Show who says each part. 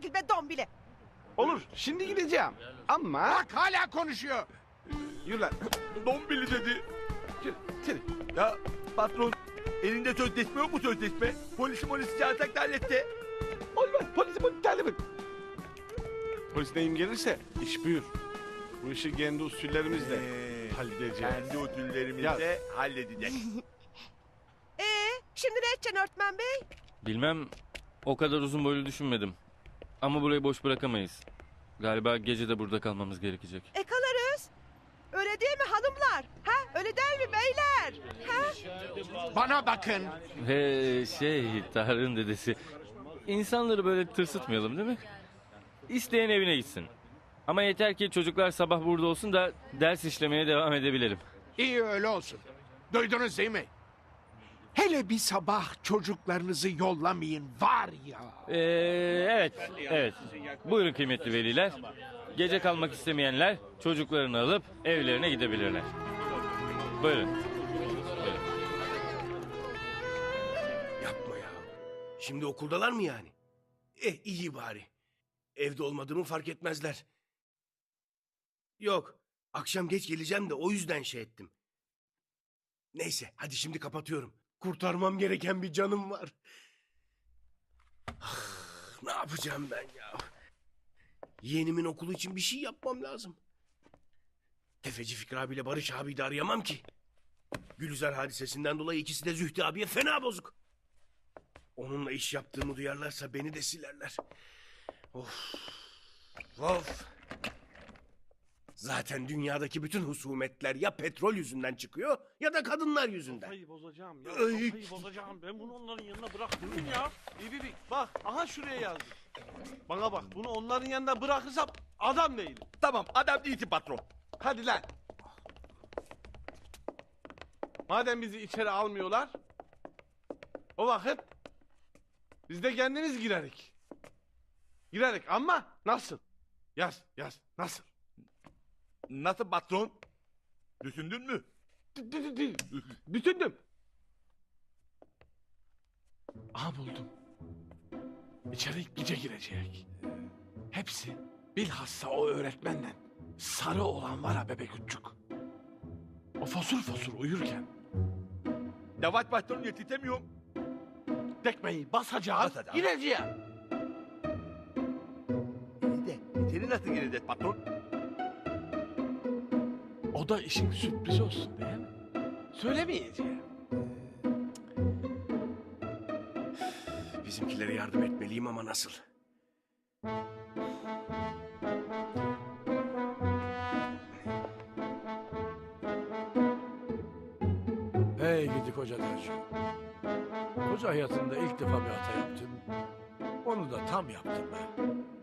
Speaker 1: çekil be dombili.
Speaker 2: Olur, şimdi gideceğim. Ama...
Speaker 3: Bak hala konuşuyor.
Speaker 2: Yürü lan.
Speaker 4: Dombili dedi.
Speaker 2: Yürü, yürü.
Speaker 4: Ya patron elinde sözleşme yok mu sözleşme? Polisi çağırsak da halletti.
Speaker 2: Olmaz, polisi terlim et. Polis neyim gelirse iş büyür. Bu işi kendi usullerimizle halledeceğiz.
Speaker 4: Kendi ödüllerimizle halledeceğiz.
Speaker 1: Şimdi ne edeceksin öğretmen bey?
Speaker 5: Bilmem, o kadar uzun boylu düşünmedim. Ama burayı boş bırakamayız. Galiba gece de burada kalmamız gerekecek.
Speaker 1: Kalırız. Öyle değil mi hanımlar? Ha? Öyle değil mi beyler? Ha?
Speaker 3: Bana bakın.
Speaker 5: Tarık'ın dedesi. İnsanları böyle tırsıtmayalım değil mi? İsteyen evine gitsin. Ama yeter ki çocuklar sabah burada olsun da ders işlemeye devam edebilelim.
Speaker 3: İyi öyle olsun. Duydunuz değil mi? Hele bir sabah çocuklarınızı yollamayın var ya.
Speaker 5: Evet. Buyurun kıymetli veliler. Gece kalmak istemeyenler çocuklarını alıp evlerine gidebilirler. Buyurun.
Speaker 6: Yapma ya. Şimdi okuldalar mı yani? İyi bari. Evde olmadığımı fark etmezler. Yok. Akşam geç geleceğim de o yüzden şey ettim. Neyse hadi şimdi kapatıyorum. Kurtarmam gereken bir canım var. Ne yapacağım ben ya? Yeğenimin okulu için bir şey yapmam lazım. Tefeci Fikri abiyle Barış abiyi de arayamam ki. Gülizar hadisesinden dolayı ikisi de Zühtü abiye fena bozuk. Onunla iş yaptığımı duyarlarsa beni de silerler. Of. Of. Zaten dünyadaki bütün husumetler ya petrol yüzünden çıkıyor ya da kadınlar yüzünden.
Speaker 2: Kafayı bozacağım ya.
Speaker 6: Ay.
Speaker 2: Kafayı bozacağım. Ben bunu onların yanına bıraktım ya. Bir. Bak aha şuraya yazdım. Bana bak bunu onların yanına bırakırsam adam değilim.
Speaker 4: Tamam adam değilsin patron.
Speaker 2: Hadi lan. Madem bizi içeri almıyorlar, o vakit biz de kendimiz girerik. Girerik ama nasıl? Yaz nasıl?
Speaker 4: Nasıl patron? Düşündün mü?
Speaker 2: Bütündüm. Aha buldum. İçeri gece girecek. Hepsi bilhassa o öğretmenle sarı olan var ha bebek uççuk. O fosur uyurken
Speaker 4: Yavaş patron yetişemiyorum.
Speaker 2: tekmeyi basacağız,
Speaker 4: Basacağız.
Speaker 2: gireceğim.
Speaker 4: İyi de içeri nasıl gireceğiz patron?
Speaker 2: O da işin sürpriz olsun değil mi? Söylemeyeceğim.
Speaker 6: Bizimkilere yardım etmeliyim ama nasıl?
Speaker 7: Hey gidi koca tercih. Koca hayatımda ilk defa bir hata yaptım. Onu da tam yaptım ben.